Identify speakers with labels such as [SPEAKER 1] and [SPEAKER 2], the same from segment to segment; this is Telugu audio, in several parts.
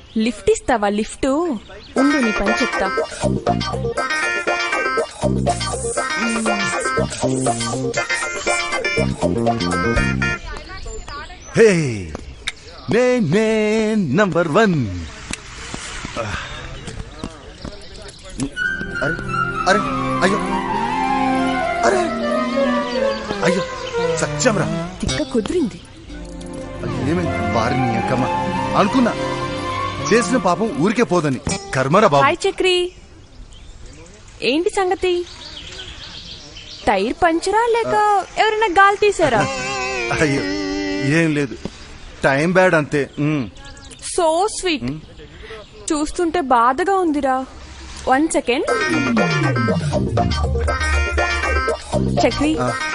[SPEAKER 1] లిఫ్ట్ ఇస్తావా? లిఫ్ట్ ఉండు, నీ పని చెప్తా.
[SPEAKER 2] హే నే నంబర్ 1. అరే అరే అయ్యో అరే అయ్యో సత్యంరా,
[SPEAKER 1] తిక్క కుదిరింది.
[SPEAKER 2] ఏమైంది? వారిని అక్కమ్మ అనుకున్నా, చేసిన పాపం ఊరికే పోదని. కర్మరా బాబు.
[SPEAKER 1] హాయ్ చక్రి, ఏంటి సంగతి? టైర్ పంచరా లేక ఎవరైనా గాలి తీసారా?
[SPEAKER 2] అయ్యో ఏం లేదు, టైం బ్యాడ్ అంతే.
[SPEAKER 1] So sweet. చూస్తుంటే బాధగా ఉందిరా. 1 సెకండ్. చక్రి,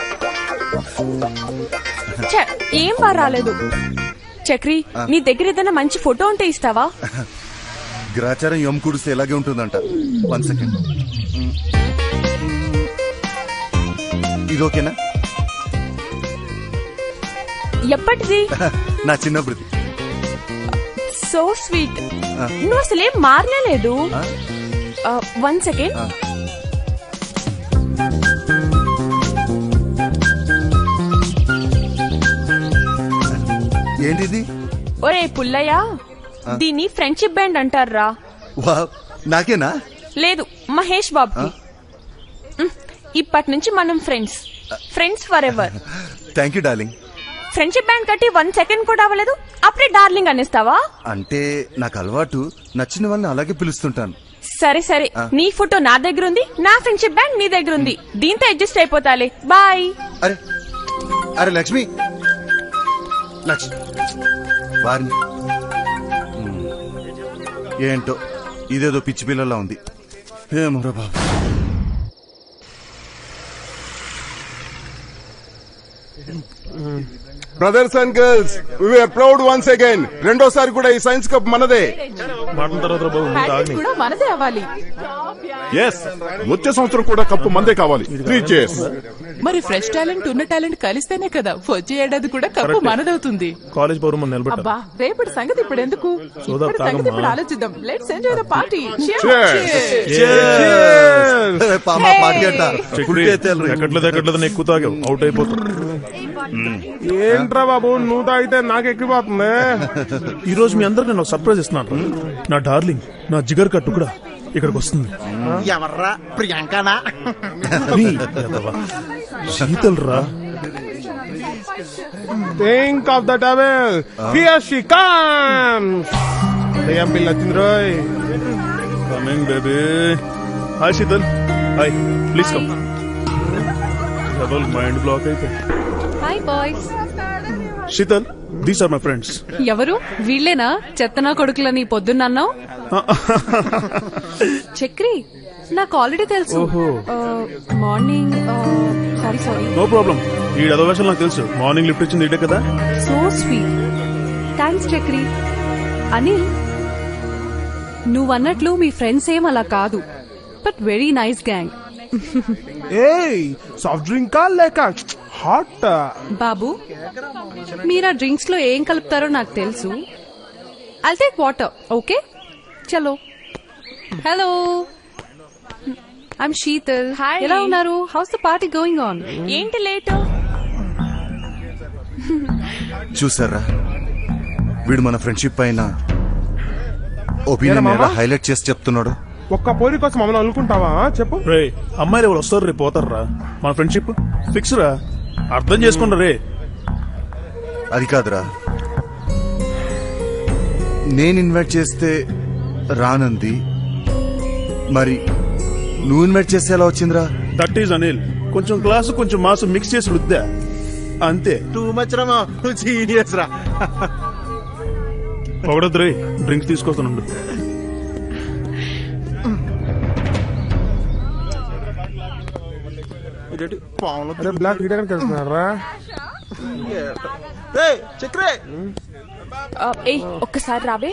[SPEAKER 1] ఏం బా రాలేదు. చక్రి, నీ దగ్గర ఏదైనా మంచి ఫోటో ఉంటే ఇస్తావా?
[SPEAKER 2] గ్రాచారం ఎం కుడిస్తే ఎలాగే ఉంటుందంట. 1 సెకండ్. ఇది ఓకేనా?
[SPEAKER 1] ఎప్పటిది?
[SPEAKER 2] నా చిన్నప్పుడుది.
[SPEAKER 1] So sweet. నువ్వు అసలేం మారలేదు. 1 సెకండ్.
[SPEAKER 2] ఏంటిది?
[SPEAKER 1] ఒరే పుల్లయ్య, దీన్ని ఫ్రెండ్షిప్ బ్యాండ్ అంటారా?
[SPEAKER 2] నాకేనా?
[SPEAKER 1] లేదు, మహేష్ బాబుకి. ఇప్పటి నుంచి మనం friends forever.
[SPEAKER 2] Thank you darling.
[SPEAKER 1] Friendship band కట్టి 1 సెకండ్ కూడా అవ్వలేదు, అప్పుడే డార్లింగ్ అనేస్తావా?
[SPEAKER 2] అంటే నాకు అలవాటు, నచ్చిన వాళ్ళని అలాగే పిలుస్తుంటాను.
[SPEAKER 1] సరే సరే, నీ ఫోటో నా దగ్గర ఉంది, నా ఫ్రెండ్షిప్ బ్యాండ్ నీ దగ్గర ఉంది. దీంతో అడ్జస్ట్ అయిపోతాలే. బాయ్.
[SPEAKER 2] అరే అరే లక్ష్మి, వారిని ఏంటో ఇదేదో పిచ్చి పిల్లలా ఉంది. ఏమోరా బాబు.
[SPEAKER 3] Brothers and girls, we are proud once again. రెండోసారి కూడా ఈ సైన్స్ కప్ మనదే.
[SPEAKER 4] కూడా మనదే అవ్వాలి.
[SPEAKER 3] ఎస్, వచ్చే సంవత్సరం కూడా కప్పు మనదే కావాలి. 3 cheers.
[SPEAKER 4] మరి ఫ్రెష్ టాలెంట్ ఉన్న టాలెంట్ కలిస్తేనే కదా వచ్చే ఏడాది కూడా కప్పు మనదవుతుంది.
[SPEAKER 5] కాలేజ్ పౌరం నిలబెట్టాలి.
[SPEAKER 4] అబ్బా, రేపటి సంగతి ఇప్పుడు ఎందుకు? ఇప్పటి సంగతి ఇప్పుడు ఆలోచిద్దాం. Let's enjoy the party.
[SPEAKER 5] ఎక్కట్లేదు ఎక్కువ తాగావు, అవుట్ అయిపోతావు.
[SPEAKER 3] ఏంట్రా బాబు, నువ్వు తాగితే నాకు ఎక్కిపోతుంది.
[SPEAKER 5] ఈ రోజు మీ అందరికి నేను సర్ప్రైజ్ ఇస్తున్నాను. నా డార్లింగ్, నా జిగర్ కట్టు కూడా ఇక్కడికి వస్తుంది.
[SPEAKER 6] ఎవర్రా? ప్రియాంకనా?
[SPEAKER 5] శీతల్ రా.
[SPEAKER 3] Think of the towel. Here she comes. ప్రియం పిల్ల వచ్చింది రోయ్.
[SPEAKER 5] Coming baby. Hi Sheetal. Hi, please come. Mind block అయితే.
[SPEAKER 7] Hi boys.
[SPEAKER 5] Sheetal, these are my friends.
[SPEAKER 7] ఎవరు? వీళ్ళేనా చెత్తనా కొడుకులని పొద్దున్నన్నావు? చక్రి, నాకు ఆల్రెడీ తెలుసు. Morning sorry.
[SPEAKER 5] No problem. ఈ అదవేషన్ నాకు తెలుసు. మార్నింగ్ లిఫ్ట్ ఇచ్చింది ఇదే కదా.
[SPEAKER 7] So sweet. Thanks Chakri. Anil, నువ్వన్నట్లు మీ ఫ్రెండ్స్ ఏం అలా కాదు, బట్ వెరీ నైస్ గ్యాంగ్.
[SPEAKER 3] ఏయ్, సాఫ్ట్ డ్రింక్ కా లేక హాట్?
[SPEAKER 7] బాబు, మీరు ఆ డ్రింక్స్ లో ఏం కలుపుతారో నాకు తెలుసు. I'll take water. ఓకే, చలో. Hello, I'm Sheetal.
[SPEAKER 1] హాయ్.
[SPEAKER 7] ఎలా ఉన్నారు? How's the party going on?
[SPEAKER 1] ఏంటి లేటు?
[SPEAKER 2] చూసారా, వీడు మన ఫ్రెండ్షిప్ పైన ఒపీనియన్ హైలైట్ చేసి చెప్తున్నాడు.
[SPEAKER 3] ఒక్క పోరి కోసం మమ్మల్ని అనుకుంటావా? చెప్పు
[SPEAKER 5] రే, అమ్మాయిలు ఎవరు వస్తారు రేపు పోతారు రా. మన ఫ్రెండ్షిప్ ఫిక్స్ రా, అర్థం చేసుకుంటా రే.
[SPEAKER 2] అది కాదురా, నేను ఇన్వైట్ చేస్తే రానంది, మరి నువ్వు ఇన్వైట్ చేస్తే ఎలా వచ్చిందిరా?
[SPEAKER 5] That is Anil. కొంచెం క్లాసు కొంచెం మాసు మిక్స్ చేసి రుద్దా, అంతే.
[SPEAKER 6] టూ మచ్ రా, సీరియస్ రా.
[SPEAKER 5] ఒకడొద్దు రే, డ్రింక్స్ తీసుకొస్తాను.
[SPEAKER 3] బ్లాక్ వెళ్తున్నారా?
[SPEAKER 6] చక్రే,
[SPEAKER 1] ఒక్కసారి రావే.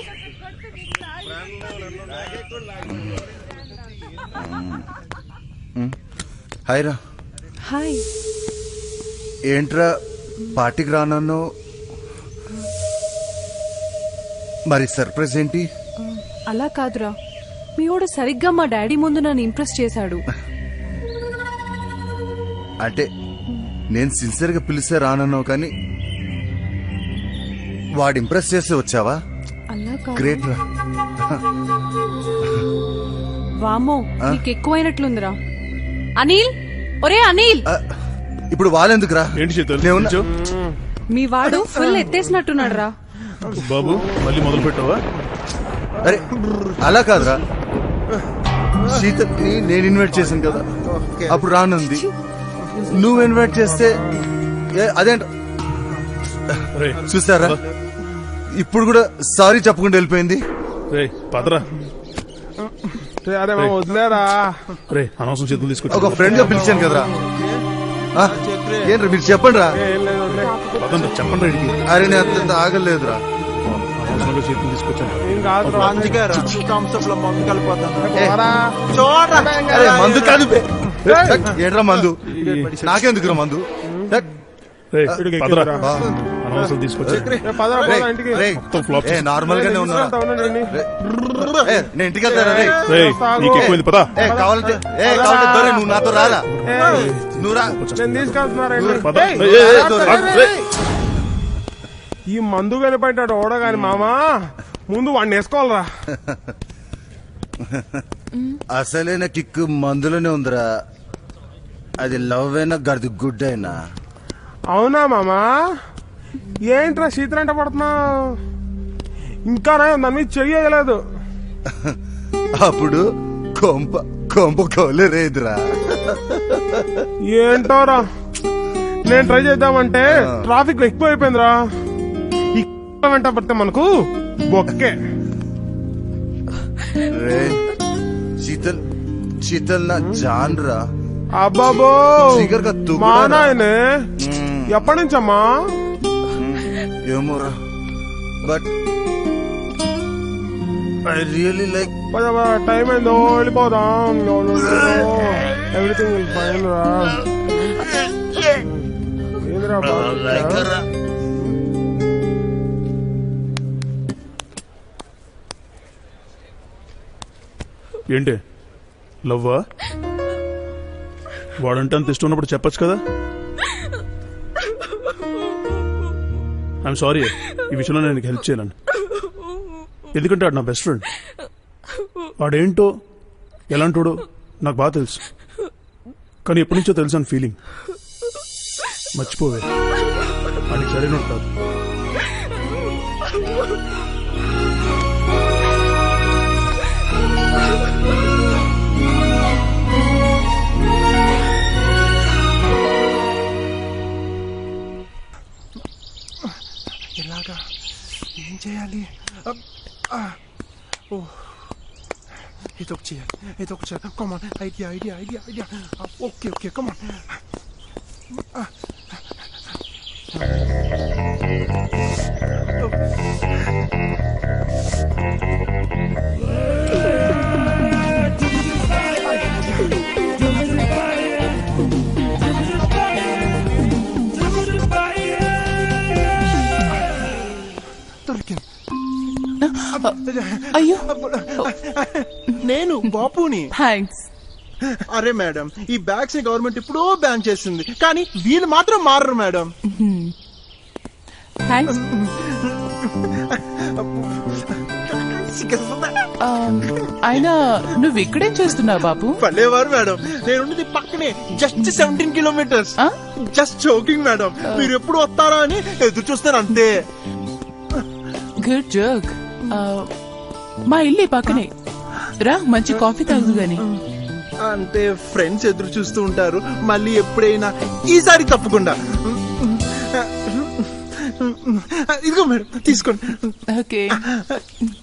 [SPEAKER 2] హాయ్ రా.
[SPEAKER 7] హాయ్.
[SPEAKER 2] ఏంట్రా పార్టీకి రానన్నావు, మరి సర్ప్రైజ్ ఏంటి?
[SPEAKER 7] అలా కాదురా మీవాడు సరిగ్గా మా డాడీ ముందు నన్ను ఇంప్రెస్ చేశాడు.
[SPEAKER 2] అంటే నేను సిన్సియర్ గా పిలిస్తే రానన్నావు కానీ వాడు ఇంప్రెస్ చేస్తే వచ్చావా?
[SPEAKER 7] అలా కాదు.
[SPEAKER 2] గ్రేట్ రా.
[SPEAKER 7] వామో నీకు ఎక్కువైనట్లుందిరా. అనిల్, ఒరే అనిల్,
[SPEAKER 2] ఇప్పుడు వాళ్ళెందుకురా?
[SPEAKER 5] ఏంటి శీతల్
[SPEAKER 2] నేను
[SPEAKER 5] నిల్చో.
[SPEAKER 7] మీ వాడు ఫుల్ ఎత్తేసినట్టున్నాడు రా.
[SPEAKER 5] బాబు మళ్ళీ మొదలు పెట్టావా?
[SPEAKER 2] అరే అలా కాదురా, శీతల్ని నేను ఇన్వైట్ చేశాను కదా, అప్పుడు రానుంది. నువ్వు ఇన్వైట్ చేస్తే అదేంట
[SPEAKER 5] రే
[SPEAKER 2] చూస్తారా, ఇప్పుడు కూడా సారీ చెప్పకుండా వెళ్ళిపోయింది.
[SPEAKER 5] రే పదరా.
[SPEAKER 3] అరే మా వదిలేరా.
[SPEAKER 5] రే అనవసరం చేతులు
[SPEAKER 2] ఒక
[SPEAKER 5] తీసుకొచ్చి
[SPEAKER 2] ఫ్రెండ్ గా పిలిచాను కదరా. ఆ, ఏంట్రా మీరు చెప్పండి రా.
[SPEAKER 3] ఏం లేదు వదిలే.
[SPEAKER 5] పదండి చెప్పండి రైడ్కి.
[SPEAKER 2] అరే నేను అంత ఆగలేదురా.
[SPEAKER 5] అనవసరంగా చేతులు తీసుకొచ్చాను.
[SPEAKER 3] ఏం కాదు రా.
[SPEAKER 6] అందుకే థమ్స్అప్ లో మందు కలిపోతాను.
[SPEAKER 3] పోరా.
[SPEAKER 6] చూడరా
[SPEAKER 2] అరే మందు కాదు బే. ఏంట్రా మందు? నాకెందుకురా మందు?
[SPEAKER 5] రే పదరా.
[SPEAKER 2] బా.
[SPEAKER 5] అనవసరం తీసుకొచ్చి
[SPEAKER 3] ఏ పదరా
[SPEAKER 2] రేయ్,
[SPEAKER 3] పోదా ఇంటికి.
[SPEAKER 2] రేయ్,
[SPEAKER 5] మొత్తం ఫ్లాప్
[SPEAKER 2] ఏ నార్మల్ గానే ఉన్నా.
[SPEAKER 3] తీసుకెళ్తా ఉండండి.
[SPEAKER 2] నేను ఇంటికి వెళ్తారా రే?
[SPEAKER 5] రే నీకు ఎక్కువైంది పదా.
[SPEAKER 2] కావాలంటే దొరే నువ్వు నాతో రారా. నువ్వు రా.
[SPEAKER 3] నేను తీసుకెళ్తున్నారండి.
[SPEAKER 5] పద.
[SPEAKER 3] ఏయ్,
[SPEAKER 5] ఏయ్, ఏయ్, ఏయ్,
[SPEAKER 3] రా,
[SPEAKER 5] పద,
[SPEAKER 3] రా,
[SPEAKER 5] రే.
[SPEAKER 3] ఈ మందు కనిపెట్టాడు ఓడగాని మామా, ముందు వాడిని వేసుకోవాలరా.
[SPEAKER 2] అసలైన కిక్ మందులోనే ఉందిరా. అది లవ్ అయినా గది గుడ్ అయినా.
[SPEAKER 3] అవునా మామా? ఏంట్రా శీతలంట పడుతున్నావు? ఇంకా దాని మీద చెయ్యలేదు.
[SPEAKER 2] అప్పుడు కొంప కొంప కోలేరేదిరా.
[SPEAKER 3] ఏంటోరా, నేను ట్రై చేద్దామంటే ట్రాఫిక్ ఎక్కువ అయిపోయిందిరా. ఈ వెంట పడితే మనకు బొక్కే.
[SPEAKER 2] రే శీతల్, శీతల్ నా జాన్ రా.
[SPEAKER 3] అబ్బాబో
[SPEAKER 2] జిగర్ కా తుగుడా
[SPEAKER 3] మా
[SPEAKER 2] రా.
[SPEAKER 3] నాయనే, ఎప్పటి నుంచమ్మా?
[SPEAKER 2] ఏమోరా, but I really like.
[SPEAKER 3] Time అయిందో, వెళ్ళిపోదాం. ఎవ్రీథింగ్ విల్ ఫైన్ రా. ఏందిరా బాగా?
[SPEAKER 5] ఏంటి లవ్వా? వాడంటే అంత ఇష్టం ఉన్నప్పుడు చెప్పొచ్చు కదా. ఐఎమ్ సారీ, ఈ విషయంలో నేను నీకు హెల్ప్ చేయలేను. ఎందుకంటే వాడు నా బెస్ట్ ఫ్రెండ్. వాడేంటో ఎలాంటోడో నాకు బాగా తెలుసు, కానీ ఎప్పటి నుంచో తెలుసు అని ఫీలింగ్. మర్చిపోవే, వాడికి సరైన కాదు.
[SPEAKER 6] ఎలాగా, ఏం చేయాలి? ఇదొక చేయాలి, ఇదొక చేయాలి. Come on, idea idea idea idea. Okay okay come on. దొరికింది.
[SPEAKER 4] అయ్యో
[SPEAKER 6] నేను బాపుని.
[SPEAKER 4] థ్యాంక్స్.
[SPEAKER 6] అరే మేడం, ఈ బ్యాగ్స్ గవర్నమెంట్ ఇప్పుడో బ్యాన్ చేసింది, కానీ వీళ్ళు మాత్రం మారరు మేడం.
[SPEAKER 4] థ్యాంక్స్. అయినా నువ్వు ఇక్కడేం చేస్తున్నావు బాబు?
[SPEAKER 6] పర్లేవారు మేడం, నేను పక్కనే just 17 kilometres. Just joking madam, మీరు ఎప్పుడు వస్తారా అని ఎదురు చూస్తారు అంతే.
[SPEAKER 4] Good joke. మా ఇల్లు ఈ పక్కనే రా, మంచి కాఫీ తాగుదు గాని.
[SPEAKER 6] అంటే ఫ్రెండ్స్ ఎదురు చూస్తూ ఉంటారు, మళ్ళీ ఎప్పుడైనా ఈసారి తప్పకుండా. ఇదిగో మేడం తీసుకోండి.
[SPEAKER 4] ఓకే.